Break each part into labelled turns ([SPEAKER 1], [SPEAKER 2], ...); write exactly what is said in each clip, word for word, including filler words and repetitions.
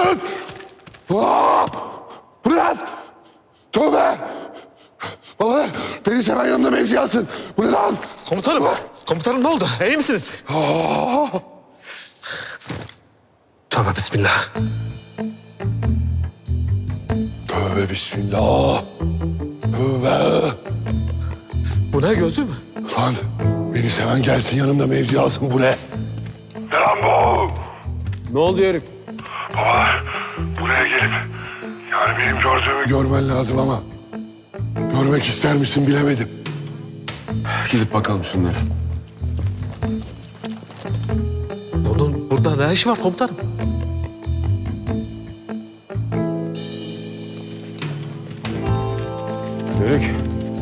[SPEAKER 1] Komutanım! Aa! Bu ne lan? Tövbe! Baba beni seven yanında mevzi alsın. Bu ne lan?
[SPEAKER 2] Komutanım, komutanım ne oldu? İyi misiniz?
[SPEAKER 1] Aa!
[SPEAKER 2] Tövbe bismillah.
[SPEAKER 1] Tövbe bismillah. Tövbe.
[SPEAKER 2] Bu ne gözüm?
[SPEAKER 1] Lan beni seven gelsin yanımda mevzi alsın. Bu ne? Ne lan bu?
[SPEAKER 3] Ne oldu Yörük?
[SPEAKER 1] Baba buraya gelip yani benim gördüğümü görmen lazım ama görmek ister misin bilemedim.
[SPEAKER 3] Gidip bakalım şunlara.
[SPEAKER 2] Bunun burada ne işi var komutanım?
[SPEAKER 3] Yörük.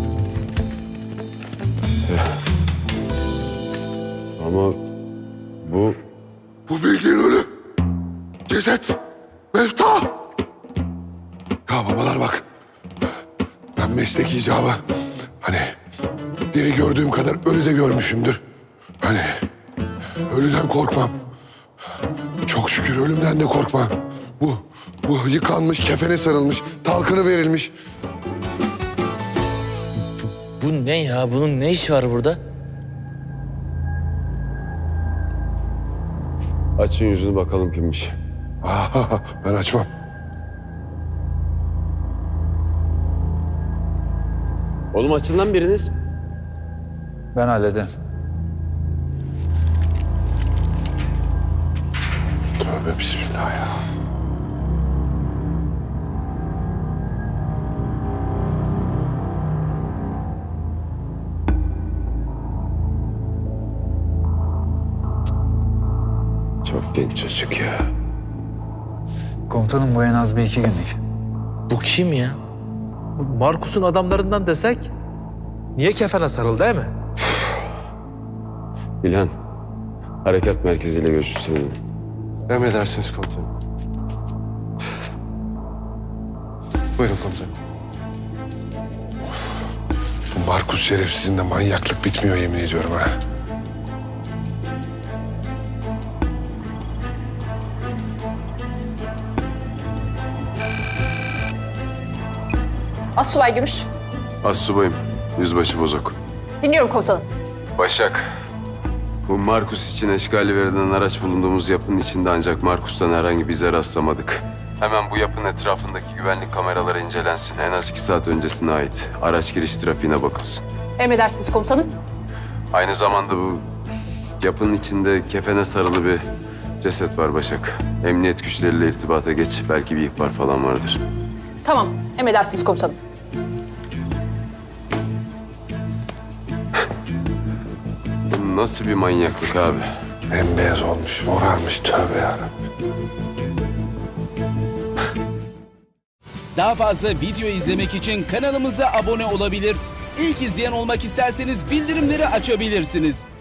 [SPEAKER 3] Ama bu...
[SPEAKER 1] Bu bildiğin ölü. Ceset. Mefta. Ya babalar bak. Ben meslek icabı hani diri gördüğüm kadar ölü de görmüşümdür. Hani ölüden korkmam. Çok şükür ölümden de korkmam. Bu, bu yıkanmış, kefene sarılmış, talkını verilmiş.
[SPEAKER 4] Bu ne ya? Bunun ne işi var burada?
[SPEAKER 3] Açın yüzünü bakalım kimmiş.
[SPEAKER 1] Aa, ben açmam.
[SPEAKER 3] Oğlum açın lan biriniz.
[SPEAKER 5] Ben hallederim.
[SPEAKER 1] Tövbe bismillah ya.
[SPEAKER 3] Çok genç çocuk ya.
[SPEAKER 5] Komutanım bu en az bir iki günlük.
[SPEAKER 4] Bu kim ya?
[SPEAKER 2] Bu Markus'un adamlarından desek niye kefene sarıldı değil mi?
[SPEAKER 3] İlhan, harekat merkeziyle görüşürsün.
[SPEAKER 1] Emredersiniz komutanım. Buyurun komutanım. Bu Markus şerefsizinde manyaklık bitmiyor yemin ediyorum ha.
[SPEAKER 6] Asubay Gümüş.
[SPEAKER 3] Astsubayım, yüzbaşı Bozok.
[SPEAKER 6] Dinliyorum komutanım.
[SPEAKER 3] Başak. Bu Markus için eşgali verilen araç bulunduğumuz yapının içinde ancak Markus'tan herhangi bir izle rastlamadık. Hemen bu yapının etrafındaki güvenlik kameraları incelensin. En az iki saat öncesine ait. Araç giriş trafiğine bakılsın.
[SPEAKER 6] Emredersiniz komutanım.
[SPEAKER 3] Aynı zamanda bu yapının içinde kefene sarılı bir ceset var Başak. Emniyet güçleriyle irtibata geç. Belki bir ihbar falan vardır.
[SPEAKER 6] Tamam. Emredersiniz komutanım.
[SPEAKER 3] Bu nasıl bir manyaklık abi?
[SPEAKER 1] Bembeyaz olmuş, morarmış tövbe yarabbim.
[SPEAKER 7] Daha fazla video izlemek için kanalımıza abone olabilir. İlk izleyen olmak isterseniz bildirimleri açabilirsiniz.